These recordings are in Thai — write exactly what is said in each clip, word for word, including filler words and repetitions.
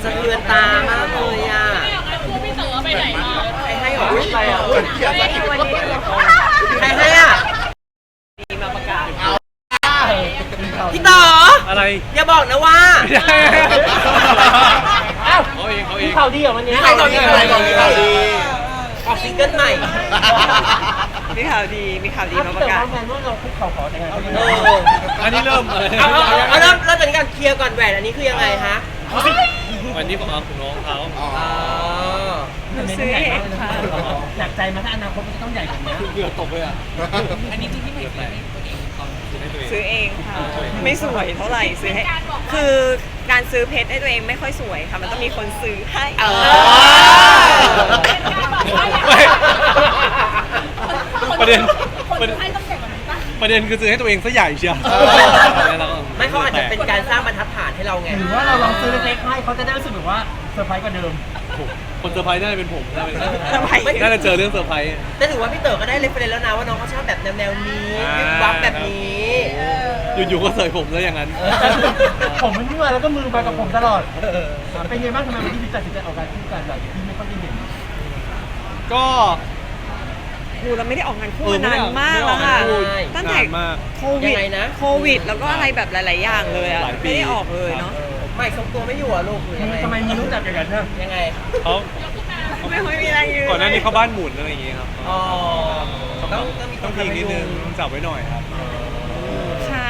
สะเทือนตามากเลยอ่ะคู่พี่เต๋อไปไหนมาใครให้หรออะไรอ่ะวันนี้ใครให้อ่ะมีมาประกาศพี่ต่ออะไรอย่าบอกนะว่าอ้าวเขาเองเขาเอมีงข่าวดีเหรอวันนี้มีข่าวดีอะไรบอกมีข่าวดี ออกซิงเกิลใหม่มีข่าวดีมีข่าวดีดีมามาปประ ระกาศกาศงานว่าเราคุกเข่าขอแต่งงานเอออันนี้เริ่มเลยเอาเอาเอาเอาเริ่มเริ่มจากการเคลียร์ก่อนแหวนอันนี้คือยังไงฮะวันนี้ผมเอาของน้องเขาอ๋อซื้อเองค่ะอยากใจมาถ้าอนาคตมันจะต้องใหญ่กว่านี้เกือบตกเลยอ่ะอันนี้จริงที่ไม่เกือบแตกซื้อให้ตัวเองซื้อเองค่ะไม่สวยเท่าไหร่ซื้อให้คือการซื้อเพชรให้ตัวเองไม่ค่อยสวยค่ะมันต้องมีคนซื้อให้เออไม่ประเด็นประเด็นประเด็นคือซื้อให้ตัวเองซะใหญ่เชียวไม่เขาอาจจะเป็นการสร้างบรรทัดฐานให้เราไงหรือว่าเราลองซื้อเล็กๆให้เขาจะได้รู้สึกแบบว่าเซอร์ไพรส์กว่าเดิมคนเซอร์ไพรส์น่าจะเป็นผมน่าจะทำไมน่าจะเจอเรื่องเซอร์ไพรส์แต่ถือว่าพี่เต๋อก็ได้เรฟเฟรนซ์แล้วนะว่าน้องเขาชอบแบบแนวแนวๆนี้วิบวับแบบนี้อยู่ๆก็เสยผมแล้วอย่างนั้นผมมันมั่วแล้วก็มือมากับผมตลอดเป็นไงบ้างทำไมวันที่พี่ตัดสินใจออกการคู่กันแบบที่ไม่ค่อยได้เห็นก็ครูเราไม่ได้ออกงานคู่เออมานานมากแล้วค่ะไม่ได้ออกงานคู่ตั้งแต่นานมากโควิดโควิด แล้วก็อะไรแบบหลาย ๆ อย่างเลยอ่ะหลายปีไม่ได้ออกเลยเนาะไม่ทรงตัวไม่อยู่อ่ะลูกหรือยังไงทำไมมีรู้จักกันนะยังไงเขาไม่ค่อยมีอะไรยืนก่อนหน้านี้เขาบ้านหมุนอะไรอย่างเงี้ยครับอ๋อต้องต้องมีคต้อน งทำพิงให้นิดนึงดูจับไว้หน่อยครับค่ะ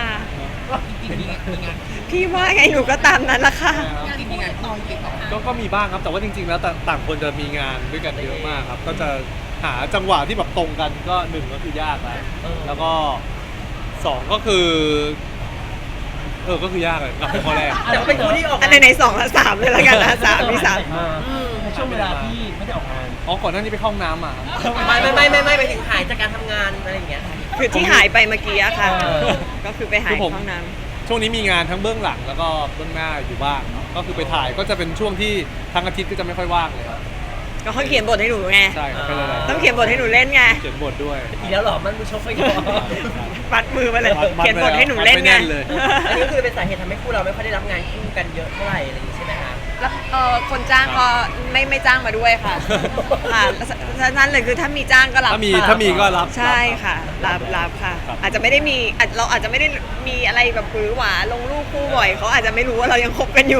พี่ว่าไงหนูก็ตามนั้นละค่ะก็ก็มีบ้างครับแต่ว่าจริงๆแล้วต่างต่างคนจะมีงานด้วยกันเยอะมากครับ ก็จะหาจังหวะที่แบบตรงกันก็หนึ่งก็คือยากแล้วแล้วก็สองก็คือเออก็คือยากเลยกลับไปข้อแรกแต่ว่าเป็นคู่ที่ออกอันไหนๆสองและสามเลยละกันนะสามมีสามในช่วงเวลาที่ไม่ได้ออกงานอ๋อก่อนหน้านี้ไปเข้าห้องน้ำมาครับไม่ไม่ไม่ไม่ไม่ไปถึงหายจากการทำงานอะไรอย่างเงี้ยคือที่หายไปเมื่อกี้อะค่ะเออก็คือไปหายห้องน้ำช่วงนี้มีงานทั้งเบื้องหลังแล้วก็เบื้องหน้าอยู่บ้างครับก็คือไปถ่ายก็จะเป็นช่วงที่ทั้งอาทิตย์ก็จะไม่ค่อยว่างเลยครับก็เขาเขียนบทให้หนูไงใช่ครับเป็นอะไรต้องเขียนบทให้หนูเล่นไงเขียนบทด้วยอีกแล้วเหรอ มันมือชกไปก่อนปัดมือมาเลยมัดมัดเขียนบทให้หนูเล่นมัดไงไม่แน่นเลยอันนี้ก็คือเป็นสาเหตุทำให้คู่เราไม่ค่อยได้รับงานคู่กันเยอะเท่าไหร่อะไรอย่างงี้ใช่ไหมคะแล้วเออคนจ้างก็ไม่ไม่จ้างมาด้วยค่ะ ค่ะฉะนั้นเลยคือถ้ามีจ้างก็รับถ้ามีค่ะถ้ามีก็รับใช่ค่ะรับรับค่ะครับอาจจะไม่ได้มีอาจเราอาจจะไม่ได้มีอะไรแบบหวือหวาลงรูปคู่บ่อยเขาอาจจะไม่รู้ว่าเรายังคบกันอยู่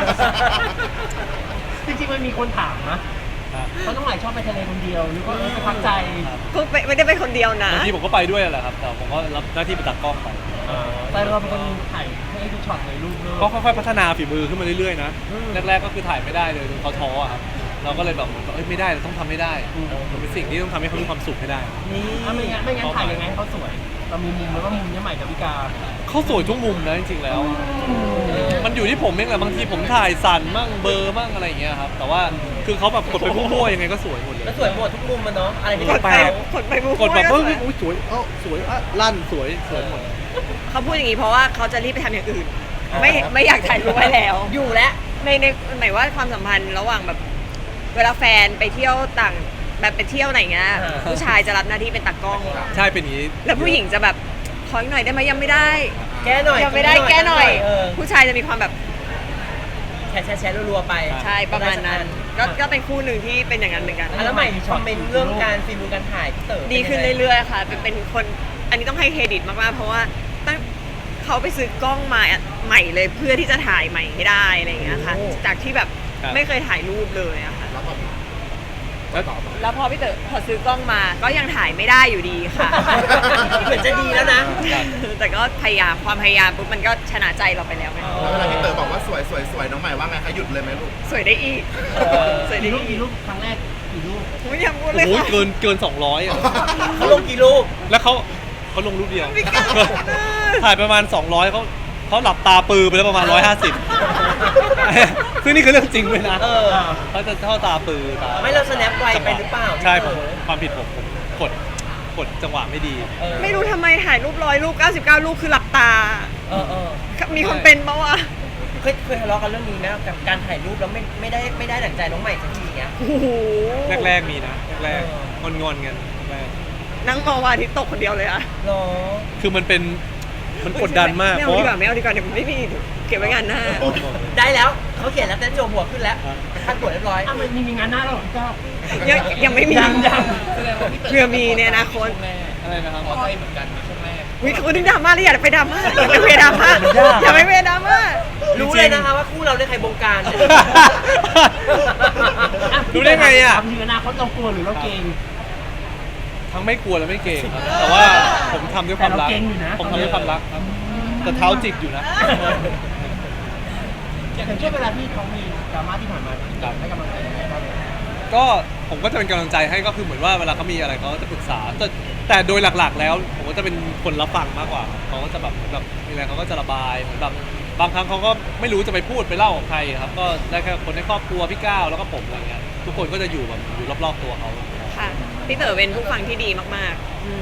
จริงๆมันมีคนถามนะเขาต้องหลายชอบไปทะเลคนเดียวหรือว่าเออไปพักใจก็ไม่ไม่ได้ไปคนเดียวนะบางทีผมก็ไปด้วยแหละครับแต่ผมก็รับหน้าที่เป็นตัดกล้องไปแต่เราเป็นคนถ่ายให้ทุกช็อตเลยรูปเลยก็ค่อยๆพัฒนาฝีมือขึ้นมาเรื่อยๆนะแรกๆก็คือถ่ายไม่ได้เลยจนเขาท้ออะครับเราก็เลยแบบเหมือนว่าเอ้ยไม่ได้เราต้องทำให้ได้มันเป็นสิ่งที่ต้องทำให้เขามีความสุขให้ได้นี่ถ้าไม่งั้นไม่งั้นถ่ายยังไงให้เขาสวย เรามีมุมแล้วว่ามุมนี้ใหม่ดาวิกาเขาสวยทุกมุมนะจริงๆแล้ว มันอยู่ที่ผมเองแหละบางทีผมถ่ายสั่นมั่งเบลอร์มั่งอะไรอย่างเงี้ยครับแต่ว่าคือเขาแบบกดไปมั่วๆยังไงก็สวยหมดเลยแล้วสวยหมดทุกมุมมันเนาะ อะไรที่กเป็ดนไปเขากดไปบู๊กดแบบก็เฮ้ยสวยอุ๊ยสวยเอ้าสวยอ่ะลั่นสวยสวยหมดเขาพูดอย่างนี้เพราะว่าเขาจะรีบไปทำอย่างอื่น ไม่ไม่อยากถ่ายรูปไว้แล้วอยู่แล้วในในหมายว่าความสัมพันธ์ระหว่างแบบเวลาแฟนไปเที่ยวต่างแบบไปเที่ยวไหนเงี้ยอ่าผู้ชายจะรับหน้าที่เป็นตากล้องใช่เป็นอย่างนี้แล้วผู้หญิงจะแบบขออีกหน่อยได้ไหมยังไม่ได้แก้หน่อยยังไม่ได้แก้หน่อยเออผู้ชายจะมีความแบบแชร์แชร์แชร์รัวๆไปใช่ประมาณนั้น ก็ก็เป็นคู่หนึ่งที่เป็นอย่างนั้นเหมือนกันอ่ะแล้วใหม่คอมเมนต์เรื่องการฟิล์มการถ่ายพี่เต๋อดีขึ้นเรื่อยๆค่ะเป็นเป็นคนอันนี้ต้องให้เครดิตมากๆเพราะว่าตั้งเขาไปซื้อกล้องมาใหม่เลยเพื่อที่จะถ่ายใหม่ให้ได้อะไรอย่างเงี้ยค่ะจากที่แบบไม่เคยถ่ายรูปเลยอะค่ะแล้วแล้วพอพี่เต๋อพอซื้อกล้องมาก็ยังถ่ายไม่ได้อยู่ดีค่ะเหมือนจะดีแล้วนะแต่ก็พยายามความพยายามปุ๊บมันก็ชนะใจเราไปแล้วไงแล้วเวลาพี่เต๋อบอกว่าสวยสวยสวยน้องใหม่ว่าไงคะหยุดเลยไหมลูกสวยได้อีกสวยได้กี่รูปอีกกี่รูปครั้งแรกกี่รูปไม่อยากพูดเลโอ้ยโหค่ะเกินเกินสองร้อยอ่ะเขาลงกี่รูปแล้วเขาเขาลงรูปเดียวไม่กล้าถ่ายประมาณสองร้อยเขาเขาหลับตาปือไปแล้วประมาณหนึ่งร้อยห้าสิบ ซึ่งนี่คือเรื่องจริงเลยนะเออเขาจะเข้าตาปือตาไม่เราสแนปไวไปหรือเปล่าใช่ผมพี่เต๋อความผิดผมผมกดกดจังหวะไม่ดีเออไม่รู้ทำไมถ่ายรูปร้อยรูปเก้าสิบเก้ารูปคือหลับตาเออเออมีคนเป็นปะวะเคยเคยทะเลาะกันเรื่องนี้ไหมกับการถ่ายรูปแล้วไม่ไม่ได้ไม่ได้ดั่งใจน้องใหม่สักทีเงี้ยโอ้โหแรกๆมีนะแรกเออๆงอนๆกันแรกนั่งมองวันอาทิตย์ตกคนเดียวเลยอะหรอคือมันเป็นมันกดดันมากไม่เพเอาราะดีกว่าไม่เอาดีกว่าเดี๋ยวไม่มีเก็บไว้งานหน้าได้แล้วเขาเขียนแล้วเต้นโจหัวขึ้นแล้วขั้นตรวจเรียบร้อยอ้าวมันมีมีงานหน้าแล้วเหรอพี่ก้าวยังยังไม่มียังยังเพื่อมีในอนาคตอะไรนะครับวิเขาดึงดราม่าเลยอย่าไปดราม่าอย่าไปเวดราม่าอย่าไปเวดราม่ารู้เลยนะคะว่าคู่เราได้ใครบงการเนี่ยรู้ได้ไงอ่ะถามถึงอนาคตเรากลัวหรือเราเกรงทั้งไม่กลัวและไม่เก่งครับ แต่ว่าผมทำด้วยความรักแต่เราเก่งอยู่นะผมทำด้วยความรักครับ แต่เท้าจิกอยู่นะอย่างช่วงเวลาที่เขามีดราม่าที่ผ่านมาครับให้กำลังใจยังไงบ้างก็ผมก็จะเป็นกำลังใจให้ก็คือเหมือนว่าเวลาเขามีอะไรเขาก็จะปรึกษา แต่แต่โดยหลักๆ แล้ว ผมก็จะเป็นคนรับฟังมากกว่าเขาก็จะแบบเหมือนแบบมีอะไรเขาก็จะระบายเหมือนแบบบางครั้งเขาก็ไม่รู้จะไปพูดไปเล่ากับใครครับ ก็ได้แค่คนในครอบครัวพี่ก้าวแล้วก็ผมอะไรเงี้ยทุกคนก็จะอยู่แบบอยู่รอบๆตัวเขาค่ะพี่เต๋อเป็นผู้ฟังที่ดีมากๆอืม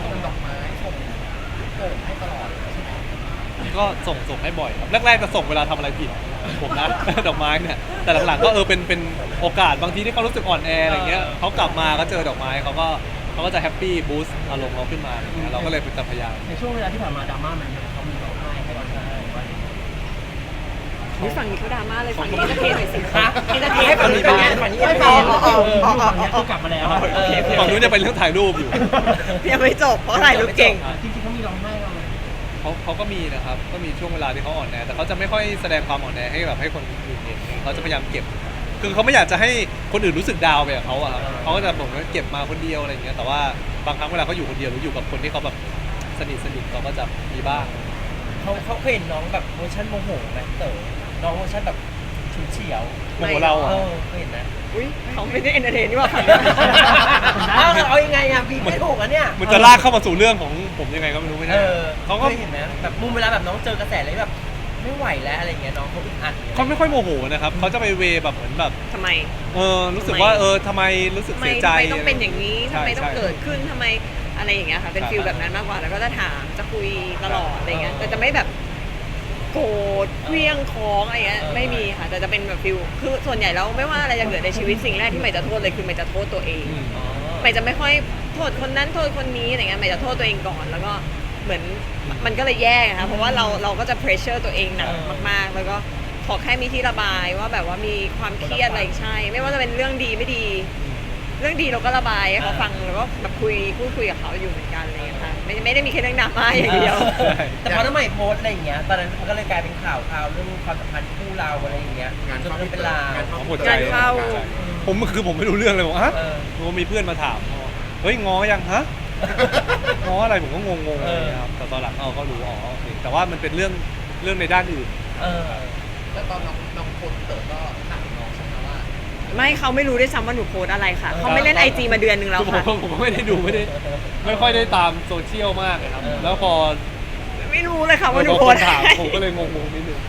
ก็ส่งส่งให้บ่อยครับแรกๆจะส่งเวลาทำอะไรผิดผมนะ ดอกไม้เนี่ยแต่หลังๆก็เออเป็นเป็นโอกาสบางทีที่เขารู้สึกอ่อนแออะไรเงี้ยเขากลับมาก็เจอดอกไม้เขาก็เขาก็จะแฮปปี้บูสต์อารมณ์เขาขึ้นมาอะไรเงี้ยเราก็เลยเป็นพยายามในช่วงเวลาที่ผ่านมาดราม่ามันเขามีร้องไห้ให้กำลังใจว่าอุ๊ยฝั่งนี้เขาดราม่าเลยฝั่งนี้เอนเตอร์เทนหน่อยสิฮะเอนเตอร์เทนให้ฝั่งนี้เป็นไงฝั่งนี้ไม่เป็นพไงออ๋อฝั่งนี้คือกลับมาแล้วโอเคฝั่งนู้นจะเป็นเรื่องถ่ายรูปอยู่ยังไม่จบเพราะถ่ายรูปเก่งจริงๆเขามีร้องไห้เราไหมเขาเขาก็มีนะครับก็มีช่วงเวลาที่เขาอ่อนแอแต่เขาจะไม่ค่อยแสดงความอ่อนแอให้แบบให้คนอื่นเห็นเขาจะพยายามเก็บ คือเขาไม่อยากจะให้คนอื่นรู้สึกดาวไปกับเขาอะครับเขาก็จะบอกว่าเก็บมาคนเดียวอะไรอย่างเงี้ยแต่ว่าบางครั้งเวลาเขาอยู่คนเดียวหรืออยู่กับคนที่เขาแบบสนิทสนิทเขาก็จะมีบ้างเขาเขาเคยเห็นน้องแบบเวอร์ชันโมโหไหมเต๋อน้องเวอร์ชันแบบฉุนเฉียวโมโหเราเออะอเคยเห็นนะอุ้ยเขาไม่ได้เอนเตอร์เทนนี่หว่าเอาเอายังไงอะพี่ไม่ถูกอะเนี่ยมันจะลากเข้ามาสู่เรื่องของผมยังไงก็ไม่รู้ไม่เอใช่อเขาก็เคยเห็นไหมแบบมุมเวลาแบบน้องเจอกระแสอะไรแบบไม่ไหวแล้วอะไรเงี้ยน้องเขาอึดอัดเนี่ยเขาไม่ค่อยโมโหนะครับเขาจะไปเวแบบเหมือนแบบทำไมเออรู้สึกว่าเออทำไมรู้สึกทำไมเสียใจทำไมต้องเป็นอย่างนี้ใช่ทำไมต้องใช่เกิดขึ้นทำไมอะไรอย่างเงี้ยค่ะ เป็นครับฟิลแบบนั้นมากกว่า แล้วก็จะถาม จะคุยตลอดอะไรเงี้ยเออแต่จะไม่แบบโกรธเคลี้ยงค้องอะไรเงี้ยเออไม่มีค่ะ แต่จะเป็นแบบฟิลคือส่วนใหญ่แล้วไม่ว่าอะไรจะเกิดในชีวิตสิ่งแรกที่ใหม่จะโทษเลยคือใหม่จะโทษตัวเองอืมอ๋อใหม่จะไม่ค่อยโทษคนนั้นโทษคนนี้อะไรเงี้ยใหม่จะโทษตัวเองก่อน แล้วก็เหมือนมันก็เลยแย่นะคะเพราะว่าเราเราก็จะเพรสเชอร์ตัวเองหนักมากๆ แล้วก็ขอแค่มีที่ระบายว่าแบบว่ามีความเครียดอะไรใช่ ไม่ว่าจะเป็นเรื่องดีไม่ดี เรื่องดีเราก็ระบายให้เขาฟังแล้วก็แบบคุยพูดคุยกับเขาอยู่เหมือนกันอะไรอย่างเลยค่ะไม่ไม่ได้มีแค่เรื่องดราม่าอย่างเดียวใช่แต่พอน้ำใหม่โพสต์อะไรอย่างเงี้ยตอนนั้นมันก็เลยกลายเป็นข่าวข่าวเรื่องความสัมพันธ์คู่เราอะไรอย่างเงี้ยงานจนเข้ามันเป็นลาวงานเข้าหมดใจงานเข้าผมคือผมไม่รู้เรื่องเลยบอกฮะเออผมมีเพื่อนมาถามเฮ้ยง้อยังฮะ ง้ออะไรผมก็งงๆอะไรอย่างเงี้ยครับแต่ตอนหลังเราก็รู้อ๋อโอเคแต่ว่ามันเป็นเรื่องเรื่องในด้านอื่นเออแล้วตอนน้องน้องคนเติร์ก็ถามน้องใช่ไหมว่าไม่เขาไม่รู้ด้วยซ้ำว่าหนูโพสต์อะไรค่ะเขาไม่เล่นไอจีมาเดือนหนึ่งแล้วคือผมค่ะก็ผมก็ไม่ได้ดูไม่ได้ไม่ค่อยได้ตามโซเชียลมากเลยครับเออแล้วพอไม่รู้เลยค่ะว่าหนูพอโพคสนต์ถามอะไรผมก็เลยงงๆนิดนึง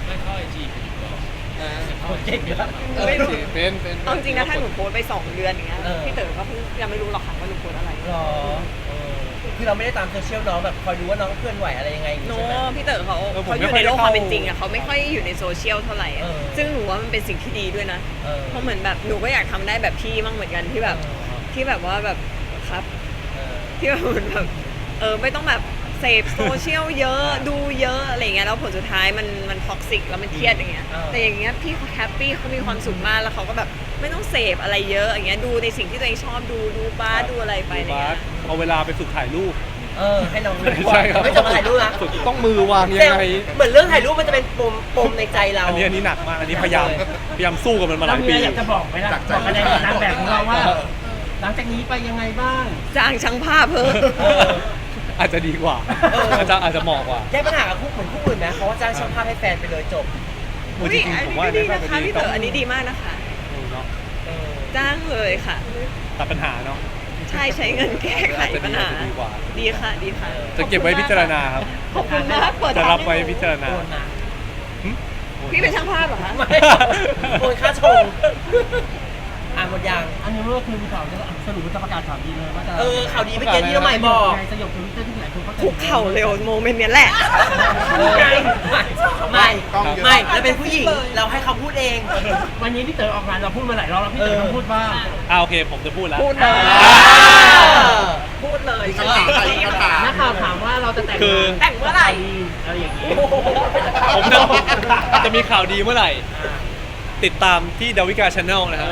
เก่งนะไม่รู้เป็นเป็นเอาจริงนะถ้าหนูโพสต์ไปสองเดือนอย่างเงี้ยเออพี่เต๋อก็เพิ่งยังไม่รู้หรอกค่ะว่าหนูโพสต์อะไรหรอเออคือเราไม่ได้ตามโซเชียลน้องแบบคอยดูว่าน้องเคลื่อนไหวอะไรยังไงอย่างโนงี้ใช่ไหมพี่เต๋อเขาเขาอยู่ในโลกความเป็นจริงอะเขาไม่ค่อยอยู่ในโซเชียลเท่าไหร่อะเออซึ่งหนูว่ามันเป็นสิ่งที่ดีด้วยนะเออเพราะเหมือนแบบหนูก็อยากทำได้แบบพี่มั่งเหมือนกันที่แบบที่แบบว่าแบบครับเออที่แบบเหมือนแบบเออไม่ต้องแบบเสพโซเชียลเยอะดูเยอะอะไรเงี้ยแล้วผลสุดท้ายมันมันท็อกซิกแล้วมันเครียดอย่างเงี้ยเออแต่อย่างเงี้ยพี่เขาแฮปปี้เขามีความสุขมากแล้วเขาก็แบบไม่ต้องเสพอะไรเยอะอย่างเงี้ยดูในสิ่งที่ตัวเองชอบดูดูบ้าสดูอะไรไปดูอะไรบาเงี้สยเอาเวลาไปฝึกถ่ายรูปเออให้น้องดูใช่ครับไม่จะมาถ่ายรูปนะฝึกต้องมือวางยังไงเหมือนเรื่องถ่ายรูปมันจะเป็นปมปมในใจเราอันนี้อันนี้หนักมากอันนี้พยายามพยายามสู้กับมันมาหเราลายมีปีอะไรอยากจะบอกไหมล่ะบอกคะแนนกับนางแบบของเราว่า หลังจากนี้ไปยังไงบ้างจ้างช่างภาพเพิ่มเอออาจจะดีกว่าเออออาจจะอาจจะเหมาะกว่าแก้ปัญหากับคู่เหมือนคู่อื่นนะเขาว่าจ้างช่างภาพให้แฟนไปเลยจบโอ้อุ้จยริงอันๆผมนี้ว่าก็ดีน่านะจะคะพี่เต๋ออันนี้ต้งดีมากนะคะเออเนาะเออจ้างเลยค่ะตัดปัญหาเนาะใช่ใช้เงินแก้ไขปัญหาจะดีกว่าดีค่ะดีค่ะจะเก็บไว้พิจารณาครับขอบคุณมากเปิดจะทางรับไว้ให้หนูพิจารณาโอนมาหึพี่เป็นช่างภาพเหรอคะไม่โอนค่าชงอ่านหมดยังอันนี้เมื่อคืนมีข่าวจะสรุปว่าจะประกาศข่าวดีเลยว่าจะเออข่าวดีเมื่อกี้ที่น้องใหม่บอกไงสยบทวิตเตอร์ที่หลายคนเขาคุกเข่าเร็วโมเมนต์เนี้ยแหละเออไม่กล้องเยอะไม่เราเป็นผู้หญิงเราให้เขาพูดเองวันนี้พี่เต๋อออกงานเราพูดมาหลายรอบแล้วพี่เต๋อต้องพูดบ้างอ่าโอเคผมจะพูดแล้วพูดเลยอ่าพูดเลยคำถามใครคำถามนักข่าวถามว่าเราจะแต่งคืองานแต่งเมื่อไหร่อะไรอย่างนี้ผมจะจะมีข่าวดีเมื่อไหร่ ติดตามที่ดาวิกาชาแนลนะฮะ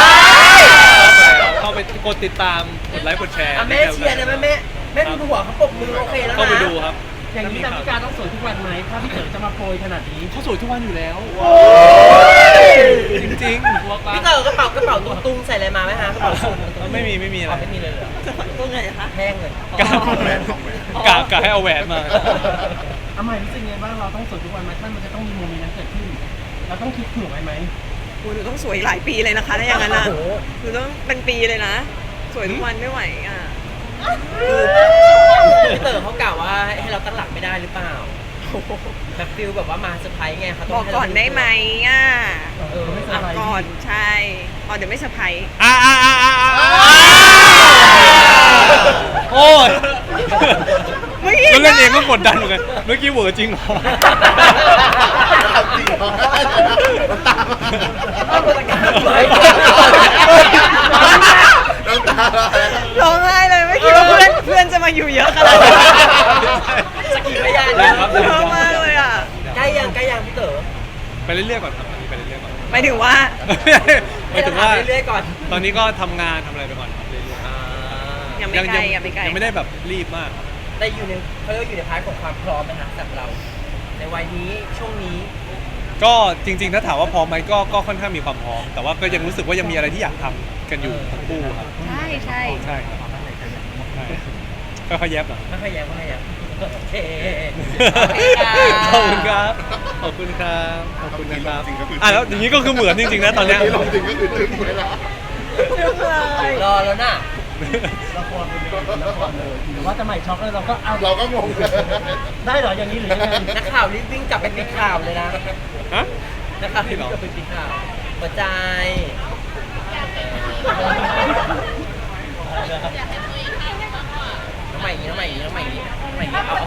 เข้าไปกดติดตามกดไลค์กดแชร์อ่ะแม่เชียร์นะแม่แม่แม่ดูหัวเขาปรบมือโอเคแล้วนะเข้าไปดูครับอย่างนี้ดาวิกาต้องสวยทุกวันไหมถ้าพี่เต๋อจะมาโปรยขนาดนี้เขาสวยทุกวันอยู่แล้ว จริงพี่เต๋อกระเป๋ากระเป๋าตุ้งๆใส่อะไรมาไหมฮะกระเป๋าสูงๆไม่มีไม่มีอะไรไม่มีเลยเหรอตัวไงคะแห้งเลยกะกะกะให้เอาแหวนมาทำไมรู้สึกไงบ้างเราต้องสวยทุกวันไหมท่านมันจะต้องมีโมเมนต์นั้นเกิดขึ้น เราต้องคิดเผื่อไว้ไหมคุณหนูต้องสวยหลายปีเลยนะคะถ้าอย่างนั้นนะโอ้โหหนูต้องเป็นปีเลยนะ สวยทุกวันไม่ไหวอ่ะพี่เต๋อเขากล่าวว่าให้เราตั้งหลักไม่ได้หรือเปล่าแบบฟิลแบบว่ามาเซอร์ไพรส์ไงเขาต้บงอกให้ก่เราอนได้ไหมอ่ะเออไม่ไม่สสบายก่อนใช่อ๋อเดี๋ยวไม่เซอร์ไพรส์อ่าอ่าอ่าอ่าโอ้ยเมื่อกี้ก็เล่นเองก็กดดันเหมือนกันเมื่อกี้เหวอร์จริงเหรอจริงเหรอน้ำตาเอาประกาศไว้น้ำตาร้องไห้เลยไม่คิดว่าเพื่อนเพื่อนจะมาอยู่เยอะขนาดนี้สกีพยานได้นะครับชอบมากเลยอ่ะใกล้ยังใกล้ยังพี่เต๋อไปเรื่อยๆก่อนครับตอนนี้ไปเรื่อยๆก่อนหมายถึงว่าหมายถึงว่าเรื่อยๆก่อนตอนนี้ก็ทำงานทำอะไรไปก่อนครับเรื่อยอ่ายังๆไม่ไกลยังไม่ไกลยังไม่ได้แบบรีบมากครับได้อยู่ในเขาเรียกว่าอยู่ในพาร์ทของความพร้อมไหมฮะสำหรับเรา ในวัยนี้ช่วงนี้ก็จริงๆ ถ้าถามว่าพร้อมไหมก็ก็ค่อนข้างมีความพร้อม แต่ว่าก็ยังรู้สึกว่ายังมีอะไรที่อยากทำกันอยู่ทั้งคู่ครับใช่ใช่ใช่ครับใช่ค่อยๆแยบหน่อยไม่ค่อยแย้งไม่ค่อยแย้งโอเคขอบคุณครับ ขอบคุณครับ ขอบคุณนะครับอ่ะแล้วอย่างนี้ก็คือเหมือนจริงๆนะตอนเนี้ยที่ลงจริงก็คือจึ้งเลยละรอแล้วน่ะละครเป็นละครเลยหรือว่าจะใหม่ช็อกแล้วเราก็เอาเราก็งงเลยได้เหรออย่างนี้หรือยังไงนักข่าวรีบวิ่งกลับไปปิดข่าวเลยนะฮะนักข่าวรีบวิ่งกลับไปปิดข่าวหัวใจน้องใหม่อย่างนี้น้องใหม่อย่างนี้น้องใหม่อย่างนี้น้องใหม่อย่างนี้เอาเอา